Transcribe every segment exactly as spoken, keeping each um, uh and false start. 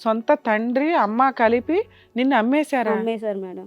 సొంత తండ్రి అమ్మ కలిపి నిన్ను అమ్మేశారా? అమ్మేశారు మేడం.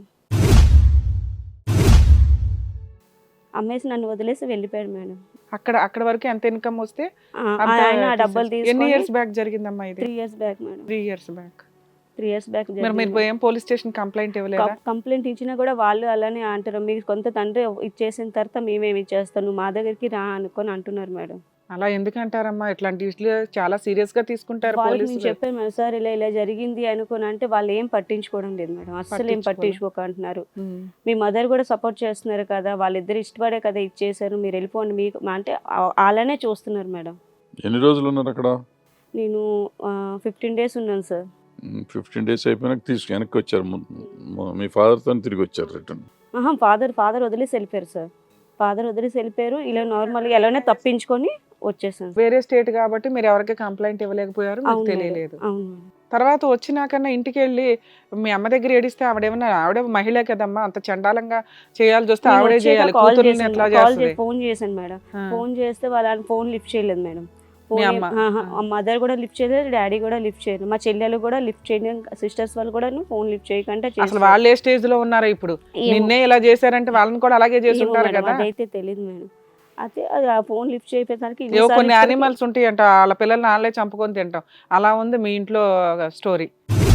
అమ్మేసి నన్ను వదిలేసి వెళ్ళిపోయాడు మేడం. అక్కడ అక్కడ వరకు ఎంత ఇన్కమ్ వస్తే ఆ, అంత ఆయన ఆ డబ్బులు తీసేసి- ఎన్ని తీసుకొని ఇయర్స్ బ్యాక్ జరిగిందమ్మా ఇది? Three years back madam. Three years back. Three years back మరి మీరు ఏం పోలీస్ స్టేషన్ కంప్లైంట్ ఇవ్వలేదా? కంప్లైంట్ ఇచ్చినా కూడా వాళ్ళు అలానే అంటారు, మీకు కొంత తండ్రి ఇచ్చేసిన తర్వాత మేమేమి ఇచ్చేస్తాం, నువ్వు మా దగ్గరికి రా అనుకొని అంటున్నారు మేడం. అలా ఎందుకంటారమ్మా? ఇట్లాంటి ఇష్యూలు చాలా సీరియస్ గా తీసుకుంటారు వాళ్ళకి నేను పోలీసులు. చెప్పాను మేడం, సార్ ఇలా ఇలా జరిగింది అనుకుని అంటే వాళ్ళు ఏం పట్టించుకోవడం లేదు మేడం, అస్సలు ఏం పట్టించుకోక అంటున్నారు. ఉమ్. మీ మదర్ కూడా సపోర్ట్ చేస్తున్నారు కదా, వాళ్ళిద్దరు ఇష్టపడే కదా ఇచ్చేసారు, మీరు వెళ్ళిపోండి మీకు అంటే అలానే చూస్తున్నారు మేడం. ఎన్ని రోజులు ఉన్నారు అక్కడ? నేను ఫిఫ్టీన్ డేస్ ఉన్నాను సార్. ఫిఫ్టీన్ డేస్ అయిపోయినాక తీసుకు వెనక్కి వచ్చారు. ము- ము- మీ ఫాదర్తో తిరిగి వచ్చారు రిటర్న్. ఆహా, ఫాదర్ ఫాదర్ వదిలేసి వెళ్ళిపోయారు సార్. ఫాదర్ వదిలేసి వెళ్ళిపోయారు, ఇలా నార్మల్గా ఎలానే తప్పించుకొని వచ్చేసాను. వేరే స్టేట్ కాబట్టి మీరు ఎవరికి కంప్లైంట్ ఇవ్వలేకపోయారు, మీకు అవును మేడం. తెలియలేదు. అవును మేడం. తర్వాత వచ్చినాకన్నా ఇంటికి వెళ్ళి మీ అమ్మ దగ్గర ఏడిస్తే ఆవిడేమన్నా, ఆవిడ మహిళ కదమ్మా, అంత చండాలంగా చేయాల్సి వస్తే నేను ఆవిడే వచ్చాక చేయాలి, కాల్ కూతుర్ని చేశాను, ఎట్లా కాల్ చేస్తుంది? చేసి ఫోన్ చేశాను మేడం. ఆ. ఫోన్ చేస్తే వాళ్ళ ఫోన్ లిఫ్ట్ చేయలేదు మేడం. మీ ఫోన్ అమ్మ? మదర్ కూడా లిఫ్ట్ చేయలేదు, డాడీ కూడా లిఫ్ట్ చేయలేదు, మా చెల్లెలు కూడా లిఫ్ట్ చేయలేదు, సిస్టర్స్ వాళ్ళు కూడా ఫోన్ లిఫ్ట్ చేయకుండా అసలు చేశారు. వాళ్ళు ఏ స్టేజ్ లో ఉన్నారో ఇప్పుడు? ఏమో. నిన్నే ఇలా చేశారంటే వాళ్ళని కూడా అలాగే చేసి ఏమో ఉంటారు మేడం, కదా. అదైతే తెలియదు మేడం. అయితే అది ఆ ఫోన్ లిఫ్ట్ చేయడానికి ఏవో ఇన్నిసార్లు కొన్ని ఇప్పటికీ- యానిమల్స్ ఉంటాయి అంట, వాళ్ళ పిల్లల్ని వాళ్ళే చంపుకొని తింటాం. అలా ఉంది మీ ఇంట్లో స్టోరీ.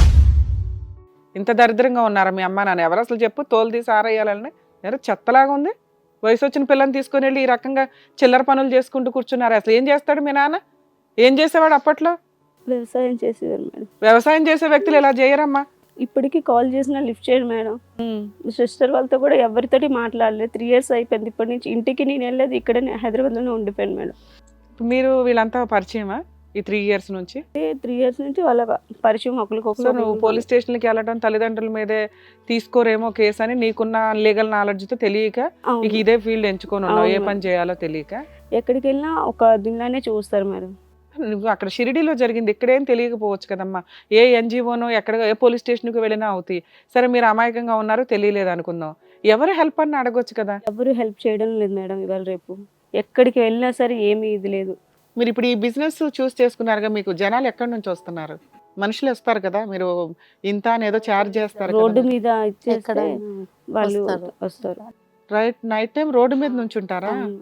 ఇంత దరిద్రంగా ఉన్నారా మీ అమ్మ నాన్న? ఎవరు అసలు చెప్పు, తోలు తీసి ఆరేయాలని? ఎవరు చెత్తలాగా ఉంది. వయసు వచ్చిన పిల్లని తీసుకొని వెళ్ళి ఈ రకంగా చిల్లర పనులు చేసుకుంటూ కూర్చున్నారు. అసలు ఏం చేస్తాడు మీ నాన్న? ఏం చేసేవాడు అప్పట్లో? వ్యవసాయం చేసేవారు మేడం. వ్యవసాయం చేసే వ్యక్తులు ఇలా చేయరమ్మా. ఇప్పటికీ కాల్ చేసినా లిఫ్ట్ చేయరు మేడం. సిస్టర్ వాళ్ళతో కూడా ఎవరితోటి మాట్లాడలేదు. త్రీ ఇయర్స్ అయిపోయింది. ఇప్పటి నుంచి ఇంటికి నేను వెళ్ళలేదు, ఇక్కడ హైదరాబాద్లోనే ఉండిపోయాను మేడం. మీరు వీళ్ళంతా పరిచయమా ఈ త్రీ ఇయర్స్ నుంచి? త్రీ ఇయర్స్ నుంచి వాళ్ళ పరిచయం సో ఒకరికొకరు. నువ్వు పోలీస్ స్టేషన్కి వెళ్ళడం, తల్లిదండ్రుల మీదే తీసుకోరేమో కేసు అని నీకున్న లీగల్ నాలెడ్జ్తో తెలియక అవును. నీకు ఇదే ఫీల్డ్ ఎంచుకొని ఉన్నావు, ఏ అవును. పని చేయాలో తెలియక. ఎక్కడికి వెళ్ళినా ఒక దీనిలోనే చూస్తారు మేడం. నువ్వు అక్కడ షిరిడీలో జరిగింది, ఇక్కడేం తెలియకపోవచ్చు కదమ్మా. ఏ ఎన్జిఓనో ఎక్కడ ఏ పోలీస్ స్టేషన్కి వెళ్ళినా అవుతాయి. సరే మీరు అమాయకంగా ఉన్నారు, తెలియలేదు అనుకుందాం, ఎవరు హెల్ప్ అని అడగొచ్చు కదా. ఎవరు హెల్ప్ చేయడం లేదు మేడం. ఇవాళ రేపు ఎక్కడికి వెళ్ళినా సరే ఏమీ ఇది లేదు. మీరు ఇప్పుడు ఈ బిజినెస్ చూస్ చేసుకున్నారుగా, మీకు జనాలు ఎక్కడి నుంచి వస్తున్నారు? మనుషులు వస్తారు కదా, మీరు ఇంత అని ఏదో ఛార్జ్ చేస్తారు రోడ్డు మీద ఇచ్చేస్తే ఎక్కడైనా వాళ్ళు వస్తారు. వస్తారు. రైట్. నైట్ టైం రోడ్డు మీద నుంచి ఉంటారా? అవును.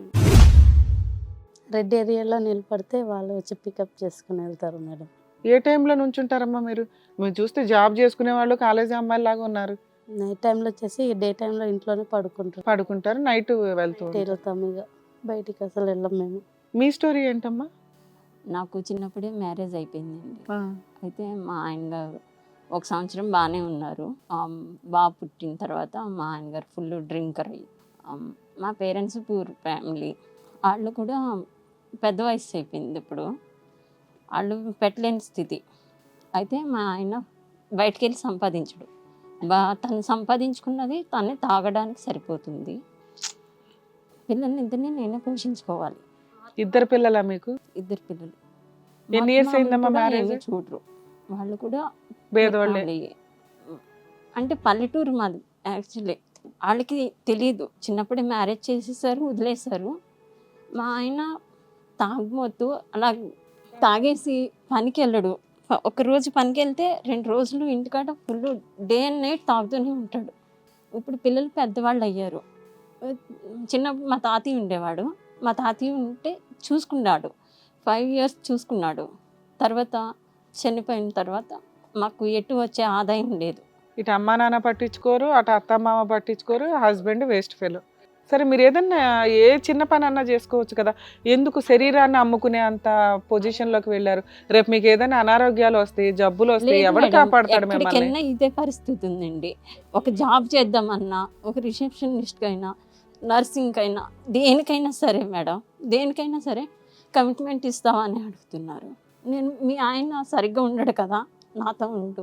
రెడ్ ఏరియాలో నిలబడితే వాళ్ళు వచ్చి పికప్ చేసుకుని వెళ్తారు మేడం. ఏ టైంలో నుంచి ఉంటారమ్మా మీరు? మీరు చూస్తే జాబ్ చేసుకునే వాళ్ళు, కాలేజీ అమ్మాయిలు లాగా ఉన్నారు. నైట్ టైంలో వచ్చేసి డే టైంలో ఇంట్లోనే పడుకుంటారు. పడుకుంటారు, నైట్ వెళ్తూ ఉంటారు. వెళ్తాం ఇక బయటికి అసలు వెళ్ళం మేము. మీ స్టోరీ ఏంటమ్మా? నాకు చిన్నప్పుడే మ్యారేజ్ అయిపోయిందండి. ఆ, అయితే మా ఆయన గారు ఒక సంవత్సరం బాగానే ఉన్నారు. ఆమ్, బాబు పుట్టిన తర్వాత మా ఆయన గారు ఫుల్ డ్రింకర్ అయ్యి, ఆమ్, మా పేరెంట్స్ పూర్ ఫ్యామిలీ, వాళ్ళు కూడా పెద్ద వయసు అయిపోయింది ఇప్పుడు, వాళ్ళు పెట్టలేని స్థితి. అయితే మా ఆయన బయటికి వెళ్ళి సంపాదించడు, బా తను సంపాదించుకున్నది తనే తాగడానికి సరిపోతుంది. పిల్లల్ని ఇద్దరిని నేనే పోషించుకోవాలి. ఇద్దరు పిల్లలా మీకు? ఇద్దరు పిల్లలు. ఎన్ని years అయిందమ్మా కూడా marriage? ఏమీ చూడరు, వాళ్ళు కూడా పేదవాళ్ళే. వాళ్ళే. అంటే పల్లెటూరు మాది యాక్చువల్లీ. వాళ్ళకి తెలియదు, చిన్నప్పుడే మ్యారేజ్ చేసేసారు, వదిలేశారు. మా ఆయన తాగుమోతూ అలా తాగేసి పనికి వెళ్ళడు. ప- ఒక రోజు పనికి వెళ్తే రెండు రోజులు ఇంటికాడ ఫుల్ డే అండ్ నైట్ తాగుతూనే ఉంటాడు. ఇప్పుడు పిల్లలు పెద్దవాళ్ళు అయ్యారు. చిన్నప్పుడు మా తాతయ్య ఉండేవాడు, మా తాతయ్య ఉంటే చూసుకున్నాడు, ఫైవ్ ఇయర్స్ చూసుకున్నాడు. తర్వాత చనిపోయిన తర్వాత మాకు ఎటు వచ్చే ఆదాయం లేదు. ఇటు అమ్మా నాన్న పట్టించుకోరు, అటు అత్త మామ పట్టించుకోరు, హస్బెండ్ వేస్ట్ ఫెలో. సరే మీరు ఏదన్నా ఏ చిన్న పని అన్నా చేసుకోవచ్చు కదా, ఎందుకు శరీరాన్ని అమ్ముకునే అంత పొజిషన్లోకి వెళ్ళారు? రేపు మీకు ఏదైనా అనారోగ్యాలు వస్తాయి, జబ్బులు వస్తాయి, లేదు ఎవరు మేడం, కాపాడతాడు ఎక్కడికి మిమ్మల్ని? వెళ్ళినా ఇదే పరిస్థితి ఉందండి. ఒక జాబ్ చేద్దామన్నా, ఒక రిసెప్షనిస్ట్కైనా, నర్సింగ్కైనా, దేనికైనా సరే మేడం, దేనికైనా సరే కమిట్మెంట్ ఇస్తావా అని అడుగుతున్నారు. నేను మీ ఆయన సరిగ్గా ఉండడు కదా, నాతో ఉండు.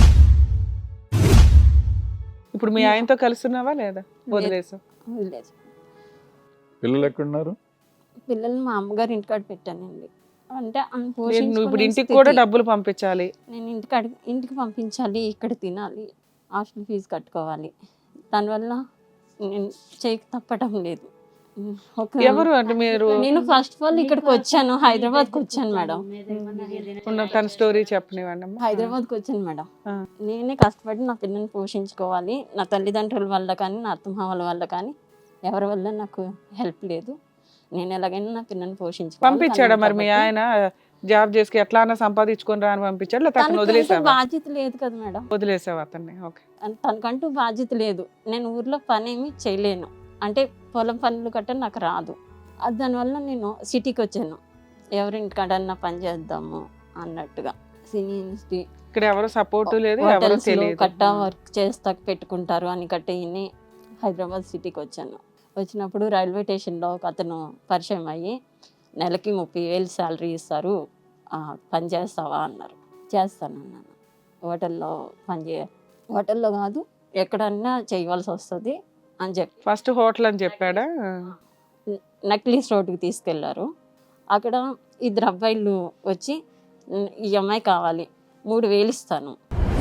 ఇప్పుడు మీ ఆయనతో కలుస్తున్నావా లేదా? వదిలేసా? వదిలేదు. పిల్లలు ఎక్కడున్నారు? పిల్లల్ని మా అమ్మగారు ఇంటికాడ పెట్టానండి. అంటే ఆమె నువ్వు ఇప్పుడు పోషించుకునే ఇంటికి స్థితి. కూడా డబ్బులు పంపించాలి. నేను ఇంటికాడ ఇంటికి పంపించాలి, ఇక్కడ తినాలి, హాస్టల్ ఫీజు కట్టుకోవాలి. దానివల్ల నేను చేయక తప్పటం లేదు. ఒక ఎవరు అంటే మీరు నేను ఫస్ట్ ఆఫ్ ఆల్ ఇక్కడికి వచ్చాను, హైదరాబాద్కి వచ్చాను మేడం. ఉన్న తన స్టోరీ చెప్పనివ్వండి అమ్మా. హైదరాబాద్కి వచ్చాను మేడం. ఆ. నేనే కష్టపడి నా పిల్లల్ని పోషించుకోవాలి. నా తల్లిదండ్రుల వల్ల కానీ నా అత్తమామల వల్ల కానీ ఎవరి వల్ల నాకు హెల్ప్ లేదు. నేను ఎలాగైనా నా పిల్లల్ని పోషించుకోవాలి. పంపించాడా మరి మీ ఆయన జాబ్ చేసి ఎట్లా అన్నా సంపాదించుకొని రా అని పంపించాడు, లేకపోతే అతను తనకంటూ వదిలేసావా? బాధ్యత లేదు కదా మేడం. వదిలేసావు అతన్ని. ఓకే. అన్- తనకంటూ బాధ్యత లేదు. నేను ఊర్లో పని ఏమి చేయలేను, అంటే పొలం పనులు గట్రా నాకు రాదు. అది దానివల్ల నేను సిటీకి వచ్చాను, ఎవరింటికాడన్నా పని చేద్దాము అన్నట్టుగా. సినీ ఇండస్ట్రీ ఇక్కడ ఎవరు సపోర్ట్ లేదు, ఎవరు హోటల్స్ లో తెలియదు. కట్టా వర్క్ చేస్తా పెట్టుకుంటారు అని కట్టేయని హైదరాబాద్ సిటీకి వచ్చాను. వచ్చినప్పుడు రైల్వే స్టేషన్లో ఒక అతను పరిచయం అయ్యి నెలకి ముప్పై వేలు శాలరీ ఇస్తారు, ఆ, పని చేస్తావా అన్నారు. చేస్తానన్నాను. హోటల్లో పని చేయ హోటల్లో కాదు ఎక్కడన్నా చేయవలసి వస్తుంది అని చెప్పి ఫస్ట్ హోటల్ అని చెప్పాడా? నక్లీస్ రోడ్డుకి తీసుకెళ్లారు. అక్కడ ఇద్దరు అబ్బాయిలు వచ్చి "ఉమ్, ఈ అమ్మాయి కావాలి, మూడు వేలు ఇస్తాను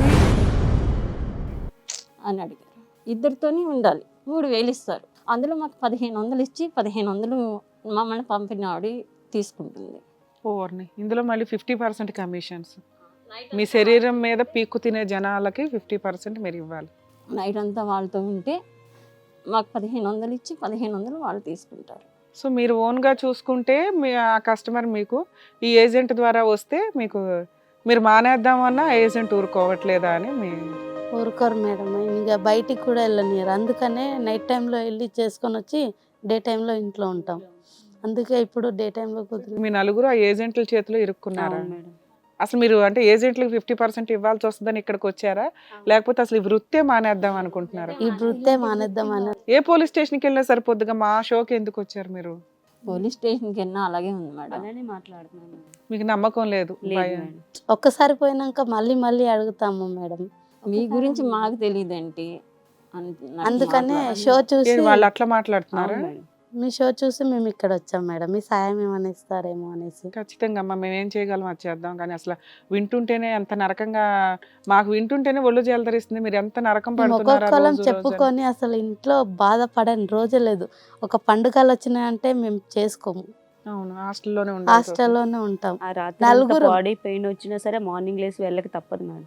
అని అడిగారు. ఇద్దరితోని ఉండాలి, మూడు వేలు ఇస్తారు. అందులో మాకు పదిహేను వందలు ఇచ్చి పదిహేను వందలు మమ్మల్ని పంపిన ఆవిడ తీసుకుంటుంది. ఓర్ని ఇందులో మళ్ళీ ఫిఫ్టీ పర్సెంట్ కమిషన్స్. మీ శరీరం మీద పీక్కు తినే జనాలకి ఫిఫ్టీ పర్సెంట్ మీరు ఇవ్వాలి. నైట్ అంతా వాళ్ళతో ఉంటే మాకు పదిహేను వందలు ఇచ్చి పదిహేను వందలు వాళ్ళు తీసుకుంటారు. సో మీరు ఓన్గా చూసుకుంటే మీ ఆ కస్టమర్ మీకు ఈ ఏజెంట్ ద్వారా వస్తే మీకు మీరు మానేద్దామన్నా ఏజెంట్ ఊరుకోవట్లేదా అని మీ ఊరుకోరు మేడం, ఇంకా బయటికి కూడా వెళ్ళనియరు. అందుకనే నైట్ టైంలో వెళ్ళి చేసుకొని వచ్చి డే టైంలో ఇంట్లో ఉంటాం. అందుకే ఇప్పుడు డే టైంలో కుదిరి మీ నలుగురు ఆ ఏజెంట్ల చేతిలో ఇరుక్కున్నారా? అవును మేడం. అసలు మీరు అంటే ఏజెంట్లకు ఫిఫ్టీ పర్సెంట్ ఇవ్వాల్సి వస్తుందని ఇక్కడికి వచ్చారా, లేకపోతే అసలు ఈ వృత్తే మానేద్దాం అనుకుంటున్నారా? ఈ వృత్తే మానేద్దామని ఏ పోలీస్ స్టేషన్కి వెళ్ళినా సరిపోద్దుగా, మా షోకి ఎందుకు వచ్చారు మీరు? పోలీస్ స్టేషన్కి వెళ్ళినా అలాగే ఉంది మేడం. అలానే మాట్లాడుతున్నాను మేడం. మీకు నమ్మకం లేదు? లేదు భయం. మేడం. ఒక్కసారి పోయినాక మళ్ళీ మళ్ళీ అడుగుతాము మేడం. మీ గురించి మాకు తెలియదేంటి అని నాకు అందుకనే మాట్లాడాలి. షో చూసి ఏంటి వాళ్ళు అట్లా మాట్లాడుతున్నారా? అవును మేడం. మీ షో చూసి మేము ఇక్కడ వచ్చాం మేడం, మీ సాయం ఏమైనా ఇస్తారేమో అనేసి. ఖచ్చితంగా అమ్మా, మేము ఏం చేయగలం అది చేద్దాం. కానీ అసలు వింటుంటేనే ఎంత నరకంగా, మాకు వింటుంటేనే ఒళ్ళు జలదరిస్తుంది. మీరు ఎంత నరకం మేము పడుతున్నారా ఒక్కొక్కరం రోజు రోజు అని. చెప్పుకొని అసలు ఇంట్లో బాధపడని రోజే లేదు. ఒక పండుగలు వచ్చినాయంటే మేము చేసుకోము, అవును, హాస్టల్లోనే ఉండాలి. హాస్టల్లోనే ఉంటాం. ఆ రాత్రి నలుగురు. బాడీ పెయిన్ వచ్చినా సరే మార్నింగ్ లేసి వెళ్ళక తప్పదు మేడం.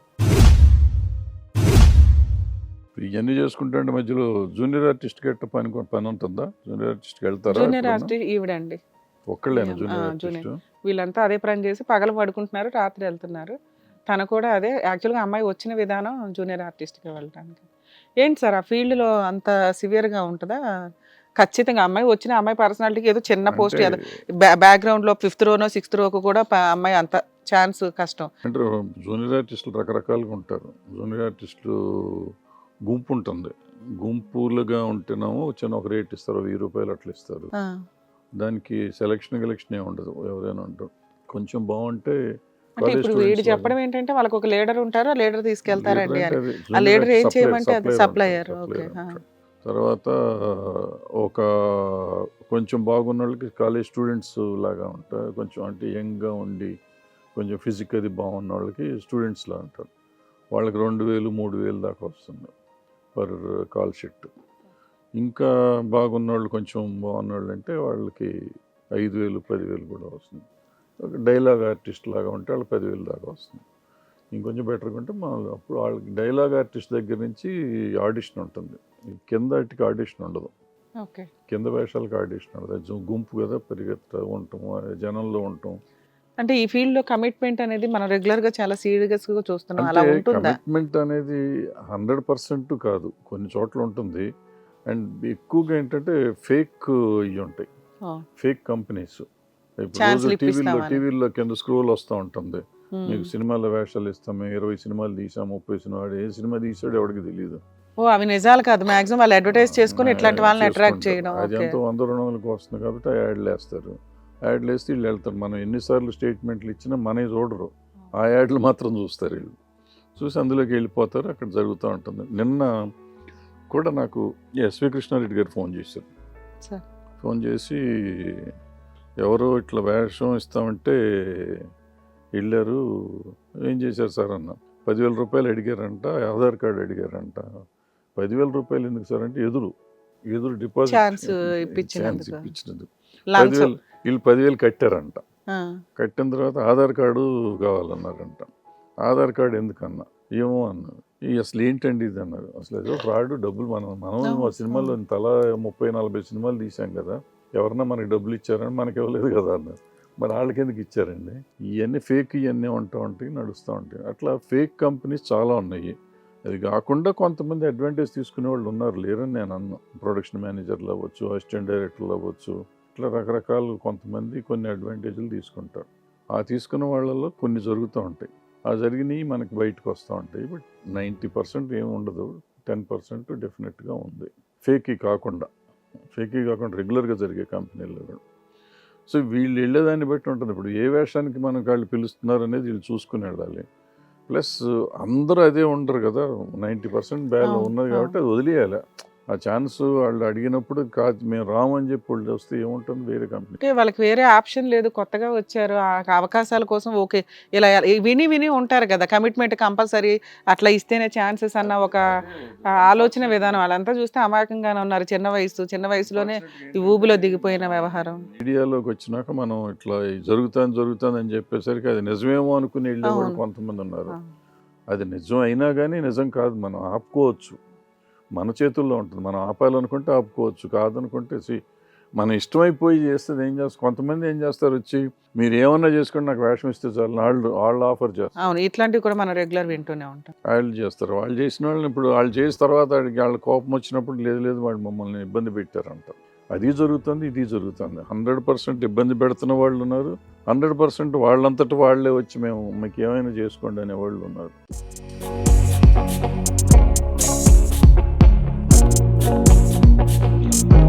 ఇవన్నీ చేసుకుంటే మధ్యలో జూనియర్ ఆర్టిస్ట్ గట్ట పని పని ఉంటుందా? జూనియర్ ఆర్టిస్ట్కి వెళ్తారా? Junior artist ఈవిడండి. ఒక్కళ్ళేనా ఆ, జూనియర్ జూనియర్. ఆర్టిస్ట్? వీళ్ళంతా అదే పని చేసి పగలు పడుకుంటున్నారు, రాత్రి వెళ్తున్నారు. తను కూడా అదే. యాక్చువల్గా అమ్మాయి వచ్చిన విధానం జూనియర్ ఆర్టిస్ట్కి వెళ్ళడానికి. ఏంటి సార్ ఆ ఫీల్డ్లో అంత సివియర్గా ఉంటుందా? ఖచ్చితంగా అమ్మాయి వచ్చిన అమ్మాయి పర్సనాలిటీకి ఏదో చిన్న పోస్ట్ అంటే బ్యాక్గ్రౌండ్లో ఫిఫ్త్ రోనో సిక్స్త్ రోకు కూడా ప- అమ్మాయి అంత ఛాన్స్ కష్టం. అంటే జూనియర్ ఆర్టిస్టులు రకరకాలుగా ఉంటారు. జూనియర్ ఆర్టిస్టులు గుంపు ఉంటుంది. గుంపులుగా ఉంటేనేమో చిన్న ఒక రేట్ ఇస్తారు, వెయ్యి రూపాయలు అట్లా ఇస్తారు. ఆ, దానికి సెలక్షన్ గెలక్షన్ ఏమి ఉండదు, ఎవరైనా ఉంటారు. కొంచెం బాగుంటే అంటే ఇప్పుడు వీడు చెప్పడం ఏంటంటే వాళ్ళకి ఒక లీడర్ ఉంటారు, ఆ లీడర్ తీసుకెళ్తారండి అని. ఆ లీడర్ ఏం చేయమంటే అది సప్లయర్. ఓకే. తర్వాత ఒక కొంచెం బాగున్న వాళ్ళకి కాలేజ్ స్టూడెంట్స్ లాగా ఉంటారు. కొంచెం అంటే యంగ్గా ఉండి కొంచెం ఫిజిక్ అది బాగున్న వాళ్ళకి స్టూడెంట్స్ లా ఉంటారు. వాళ్ళకి రెండు వేలు మూడు వేలు దాకా వస్తుంది పర్ కాల్ షీట్. ఇంకా బాగున్న వాళ్ళు కొంచెం బాగున్న వాళ్ళు అంటే వాళ్ళకి ఐదు వేలు పదివేలు కూడా వస్తుంది. ఒక డైలాగ్ ఆర్టిస్ట్ లాగా ఉంటే వాళ్ళకి పదివేలు దాకా వస్తుంది. ఇంకొంచెం బెటర్గా ఉంటే మా అప్పుడు వాళ్ళకి డైలాగ్ ఆర్టిస్ట్ దగ్గర నుంచి ఆడిషన్ ఉంటుంది. ఈ కింద వాటికి ఆడిషన్ ఉండదు. ఓకే. కింద వేషాలకు ఆడిషన్ ఉండదు. అది గుంపు కదా, పరిగెత్తా ఉంటాం, జనంలో ఉంటాం. అంటే ఈ ఫీల్డ్ లో కమిట్మెంట్ అనేది మనం రెగ్యులర్ గా చాలా సీరియస్ గా చూస్తున్నాం, అలా అంటే ఉంటుందా? కమిట్మెంట్ అనేది హండ్రెడ్ పర్సెంట్ కాదు, కొన్ని చోట్ల ఉంటుంది. అండ్ ఎక్కువగా ఏంటంటే ఫేక్ ఇవి ఉంటాయి, ఆ, ఫేక్ కంపెనీస్. ఇప్పుడు Chance రోజు లు టీవీలో ఇప్పిస్తామని. టీవీలో కింద స్క్రోల్ వస్తూ ఉంటుంది, ఉమ్. మీకు సినిమాల వేషాలు ఇస్తాం, మేము ఇరవై సినిమాలు తీసాం, ముప్పై సినిమాలు. ఏ సినిమా తీసాడు ఎవరికి తెలియదు. ఓ అవి నిజాలు కాదు, మాక్సిమం వాళ్ళు అడ్వర్టైజ్ చేసుకుని ఇట్లాంటి వాళ్ళని అట్రాక్ట్ చేయడం. అది ఓకే. ఎంతో వంద రెండు వందలకు వస్తుంది కాబట్టి ఆ యాడ్లు వేస్తారు. యాడ్లు వేస్తే వీళ్ళు వెళ్తారు. మనం ఎన్నిసార్లు స్టేట్మెంట్లు ఇచ్చినా మనవి చూడరు, ఆ యాడ్లు మాత్రం చూస్తారు. వీళ్ళు చూసి అందులోకి వెళ్ళిపోతారు, అక్కడ జరుగుతూ ఉంటుంది. నిన్న కూడా నాకు ఎస్వి కృష్ణారెడ్డి గారు ఫోన్ చేశారు. సార్. ఫోన్ చేసి ఎవరో ఇట్లా వేషం ఇస్తామంటే వెళ్ళారు, ఏం చేశారు సార్ అన్న. పదివేల రూపాయలు అడిగారంట, ఆధార్ కార్డు అడిగారంట. పదివేల రూపాయలు ఎందుకు సార్ అంటే ఎదురు ఎదురు డిపాజిట్ ఛాన్స్ ఛాన్స్ ఇప్పించినందుకు ఇప్పించినందుకు లంచం. పదివేలు వీళ్ళు పదివేలు కట్టారంట. ఆ, కట్టిన తర్వాత ఆధార్ కార్డు కావాలన్నారంట. ఆధార్ కార్డు ఎందుకన్నా ఏమో అన్నారు. ఈ అసలు ఏంటండి ఇది అన్నారు. అసలు ఏదో ఫ్రాడ్, డబ్బులు మనం మనం మా సినిమాలో తలా ముప్పై నలభై సినిమాలు తీసాం కదా, ఎవరన్నా మనకి డబ్బులు ఇచ్చారని మనకి ఇవ్వలేదు కదా అన్నారు. మరి వాళ్ళకి ఎందుకు ఇచ్చారండి? ఇవన్నీ ఫేక్, ఇవన్నీ ఉంటా ఉంటాయి, నడుస్తూ ఉంటాయి. అట్లా ఫేక్ కంపెనీస్ చాలా ఉన్నాయి. అది కాకుండా కొంతమంది అడ్వాంటేజ్ తీసుకునే వాళ్ళు ఉన్నారు, లేరని నేను అన్నా. ప్రొడక్షన్ మేనేజర్లు అవ్వచ్చు, అసిస్టెంట్ డైరెక్టర్లు అవ్వచ్చు, ఇట్లా రకరకాలు కొంతమంది కొన్ని అడ్వాంటేజ్లు తీసుకుంటారు. ఆ తీసుకున్న వాళ్ళలో కొన్ని జరుగుతూ ఉంటాయి. ఆ జరిగినవి మనకి బయటకు వస్తూ ఉంటాయి. బట్ నైంటీ పర్సెంట్ ఏమి ఉండదు, టెన్ పర్సెంట్ డెఫినెట్గా ఉంది. ఫేకీ కాకుండా ఫేకీ కాకుండా రెగ్యులర్గా జరిగే కంపెనీల్లో కూడా. సో వీళ్ళు వెళ్ళేదాన్ని బట్టి ఉంటుంది. ఇప్పుడు ఏ వేషానికి మనకు వాళ్ళు పిలుస్తున్నారు అనేది వీళ్ళు చూసుకుని వెళ్ళాలి. ప్లస్ అందరూ అదే ఉండరు కదా, నైంటీ పర్సెంట్ బ్యాల్ ఉన్నది కాబట్టి అది వదిలేయాలి. ఆ ఛాన్స్ వాళ్ళు అడిగినప్పుడు కాదు మేము రామని చెప్పి వాళ్ళు వస్తే ఏముంటుంది వేరే కంపెనీ. ఓకే, వాళ్ళకి వేరే ఆప్షన్ లేదు, కొత్తగా వచ్చారు, ఆ అవకాశాల కోసం ఓకే ఇలా విని విని ఉంటారు కదా, కమిట్మెంట్ కంపల్సరీ అట్లా ఇస్తేనే ఛాన్సెస్ అన్న ఒక ఆలోచన విధానం. వాళ్ళంతా చూస్తే అమాయకంగానే ఉన్నారు. చిన్న వయసు చిన్న వయసులోనే ఈ ఊబిలో దిగిపోయిన వ్యవహారం. మీడియాలోకి వచ్చినాక మనం ఇట్లా జరుగుతుంది జరుగుతుంది అని చెప్పేసరికి అది నిజమేమో అనుకుని వెళ్ళేవాళ్ళు అవును. కొంతమంది ఉన్నారు. అవును. అది నిజం అయినా కానీ నిజం కాదు, మనం ఆపుకోవచ్చు, మన చేతుల్లో ఉంటుంది. మనం ఆపాలనుకుంటే ఆపుకోవచ్చు, కాదనుకుంటే సి మనం ఇష్టమైపోయి చేస్తే ఏం చేస్తారు. కొంతమంది ఏం చేస్తారు, వచ్చి మీరు ఏమన్నా చేసుకోండి నాకు వేషం ఇస్తే చాలు వాళ్ళు వాళ్ళు ఆఫర్ చేస్తారు. అవును, ఇట్లాంటివి కూడా మనం రెగ్యులర్ వింటూనే ఉంటాం. వాళ్ళు చేస్తారు. వాళ్ళు చేసిన వాళ్ళని ఇప్పుడు వాళ్ళు చేసిన తర్వాత వాడికి వాళ్ళ కోపం వచ్చినప్పుడు లేదు లేదు వాళ్ళు మమ్మల్ని ఇబ్బంది పెట్టారంట. అది జరుగుతుంది, ఇది జరుగుతుంది. హండ్రెడ్ పర్సెంట్ ఇబ్బంది పెడుతున్న వాళ్ళు ఉన్నారు, హండ్రెడ్ పర్సెంట్ వాళ్ళంతటి వాళ్ళే వచ్చి మేము మీకు ఏమైనా చేసుకోండి అనే వాళ్ళు ఉన్నారు.